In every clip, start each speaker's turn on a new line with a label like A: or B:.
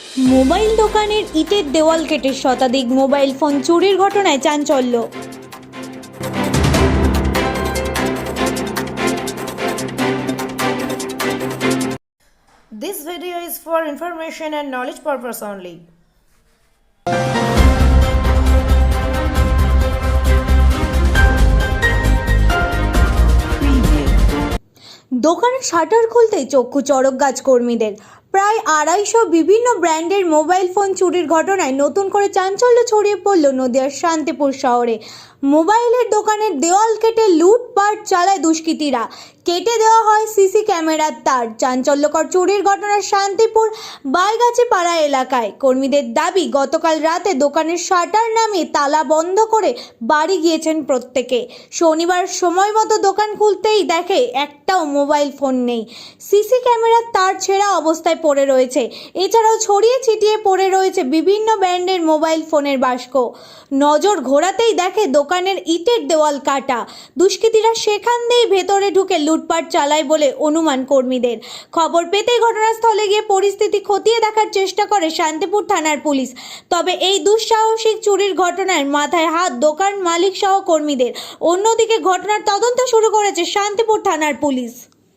A: Mobile দোকানের ইটের দেওয়াল কেটে শতাধিক মোবাইল ফোন চুরির ঘটনায় চাঞ্চল্য।
B: This video is for information and knowledge purpose only.
A: দোকানের শাটার খুলতেই চক্ষু চড়ক গাছ কর্মীদের। প্রায় 250 বিভিন্ন ব্র্যান্ডের মোবাইল ফোন চুরির ঘটনায় নতুন করে চাঞ্চল্য ছড়িয়ে পড়ল নদিয়ার শান্তিপুর শহরে। মোবাইলের দোকানের দেওয়াল কেটে লুটপাট চালায় দুষ্কৃতীরা। কেটে দেওয়া হয় সিসি ক্যামেরার তার। চাঞ্চল্যকর চুরির ঘটনা শান্তিপুর বাইগাছি পাড়া এলাকায়। কর্মীদের দাবি, গতকাল রাতে দোকানের শাটার নামিয়ে তালা বন্ধ করে বাড়ি গিয়েছেন প্রত্যেকে। শনিবার সময় মতো দোকান খুলতেই দেখে একটাও মোবাইল ফোন নেই। সিসি ক্যামেরার তার ছেঁড়া অবস্থায় পড়ে রয়েছে। এছাড়াও ছড়িয়ে ছিটিয়ে পড়ে রয়েছে বিভিন্ন ব্র্যান্ডের মোবাইল ফোনের বাস্ক। নজর ঘোরাতেই দেখে দোকানের ইটের দেওয়াল কাটা। দুষ্কৃতীরা সেখান দিয়েই ভেতরে ঢুকে লুটপাট চালায় বলে অনুমান কর্মীদের। খবর পেতেই ঘটনাস্থলে গিয়ে পরিস্থিতি খতিয়ে দেখার চেষ্টা করে শান্তিপুর থানার পুলিশ। তবে এই দুঃসাহসিক চুরির ঘটনায় মাথায় হাত দোকান মালিক সহ কর্মীদের। অন্যদিকে ঘটনার তদন্ত শুরু করেছে শান্তিপুর থানার পুলিশ।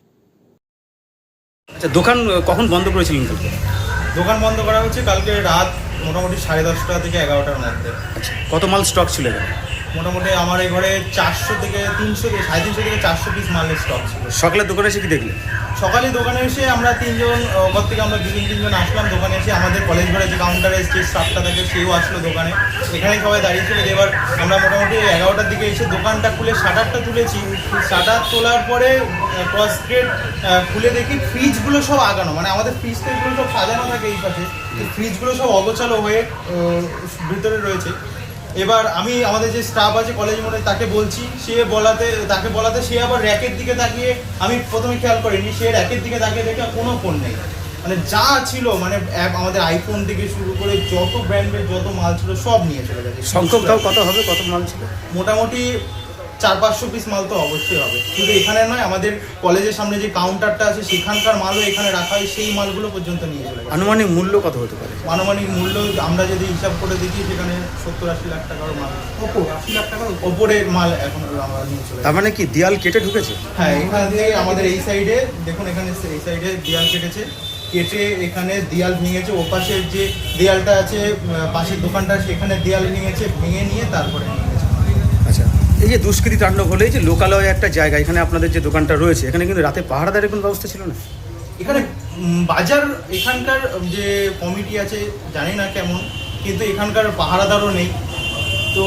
C: আচ্ছা, দোকান কখন বন্ধ করেছিলেন কালকে?
D: দোকান বন্ধ করা হচ্ছে কালকে রাত মোটামুটি 10:30 থেকে 11টার মধ্যে।
C: আচ্ছা, কত মাল স্টক ছিল এখানে?
D: মোটামুটি আমার এই ঘরে 400 থেকে 300 থেকে 350 থেকে 400 পিস মালের স্টক ছিল।
C: সকালে দোকানে এসে কি দেখলেন?
D: সকালে দোকানে এসে আমরা তিনজন ওপর থেকে আমরা তিনজন আসলাম দোকানে এসে। আমাদের কলেজ ঘরে যে কাউন্টারে যে স্টাফটা থাকে সেও আসলো দোকানে। এখানেই সবাই দাঁড়িয়ে ছিল। এবার আমরা মোটামুটি 11টার দিকে এসে দোকানটা খুলে শাটারটা তুলেছি। শাটার তোলার পরে ক্রস গেট খুলে দেখি ফ্রিজগুলো সব আগানো, মানে আমাদের ফ্রিজ তো এগুলো সব সাজানো থাকে এই পাশে, ফ্রিজগুলো সব অগোছালো হয়ে ভিতরে রয়েছে। এবার আমি আমাদের যে স্টাফ আছে কলেজ মোড়ে তাকে বলছি, তাকে বলাতে সে আবার র্যাকের দিকে তাকিয়ে, আমি প্রথমে খেয়াল করিনি, সে র্যাকের দিকে তাকিয়ে দেখে কোনো ফোন নেই। মানে যা ছিল, মানে আমাদের আইফোন থেকে শুরু করে যত ব্র্যান্ডের যত মাল ছিল সব নিয়ে চলে গেছে।
C: সংখ্যাটাও কত হবে, কত মাল ছিল?
D: মোটামুটি 400-500 পিস মাল তো অবশ্যই হবে। শুধু এখানে নয়, আমাদের কলেজের সামনে যে কাউন্টারটা আছে সেখানকার মালও এখানে রাখা হয়, সেই মালগুলো পর্যন্ত নিয়ে চলে গেছে।
C: আনুমানিক মূল্য কত হতে পারে?
D: আনুমানিক মূল্য আমরা যদি হিসাব করে দেখি সেখানে 70-80 লাখ টাকার মাল, 80 লাখ টাকার ওপরের মাল এখন আমরা নিয়ে চলে।
C: তার মানে কি দেয়াল কেটে ঢুকেছে?
D: হ্যাঁ, এখান থেকে আমাদের এই সাইডে দেখুন, এখানে এই সাইডে দেয়াল কেটেছে, কেটে এখানে দেয়াল ভেঙেছে। ওপাশের যে দেয়ালটা আছে পাশের দোকানটা, সেখানে দেয়াল ভেঙেছে, ভেঙে নিয়ে তারপরে নিয়ে গেছে।
C: আচ্ছা, এই যে দুষ্কৃতি তাণ্ডব হলে, এই যে লোকালয়ে একটা জায়গা, এখানে আপনাদের যে দোকানটা রয়েছে, এখানে কিন্তু রাতে পাহারাদারের কোনো ব্যবস্থা ছিল না?
D: এখানে বাজার, এখানকার যে কমিটি আছে জানি না কেমন, কিন্তু এখানকার পাহারাদারও নেই। তো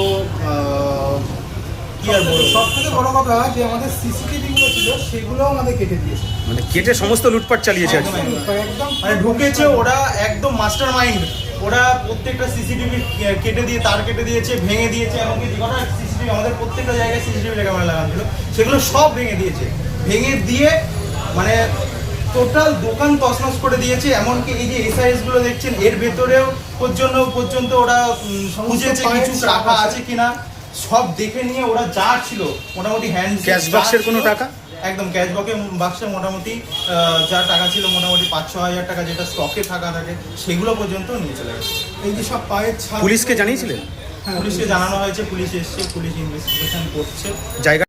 D: কি আর বলবো,
E: সব থেকে বড় কথা যে আমাদের সিসিটিভিগুলো ছিল সেগুলোও আমাদের কেটে দিয়েছে।
C: মানে কেটে সমস্ত লুটপাট চালিয়েছে আজকে।
E: একদম
D: মানে ঢুকেছে ওরা, একদম মাস্টার মাইন্ড। ওরা প্রত্যেকটা সিসিটিভি কেটে দিয়ে, তার কেটে দিয়েছে, ভেঙে দিয়েছে। এমনকি যে কটা সিসিটিভি, আমাদের প্রত্যেকটা জায়গায় সিসিটিভি ক্যামেরা লাগানো ছিল, সেগুলো সব ভেঙে দিয়েছে। ভেঙে দিয়ে মানে টোটাল দোকান তছনছ করে দিয়েছে। এমনকি এই যে এসআইএস গুলো দেখছেন, এর ভেতরেও পর্যন্ত ওরা খুঁজেছে কিছু রাখা আছে কিনা, সব দেখে নিয়ে ওরা যা ছিল মোটামুটি হ্যান্ড
C: ক্যাশ বাক্সের কোনো টাকা?
D: একদম ক্যাশ বাক্সে মোটামুটি যা টাকা ছিল, মোটামুটি 5-6 হাজার টাকা যেটা স্টকে থাকা থাকে, সেগুলো পর্যন্ত নিয়ে চলে গেছে।
E: এই যে সব পায়ের ছাপ।
C: পুলিশকে জানিয়েছিলেন?
D: পুলিশকে জানানো হয়েছে, পুলিশ এসছে, পুলিশ ইনভেস্টিগেশন করছে।
C: জায়গা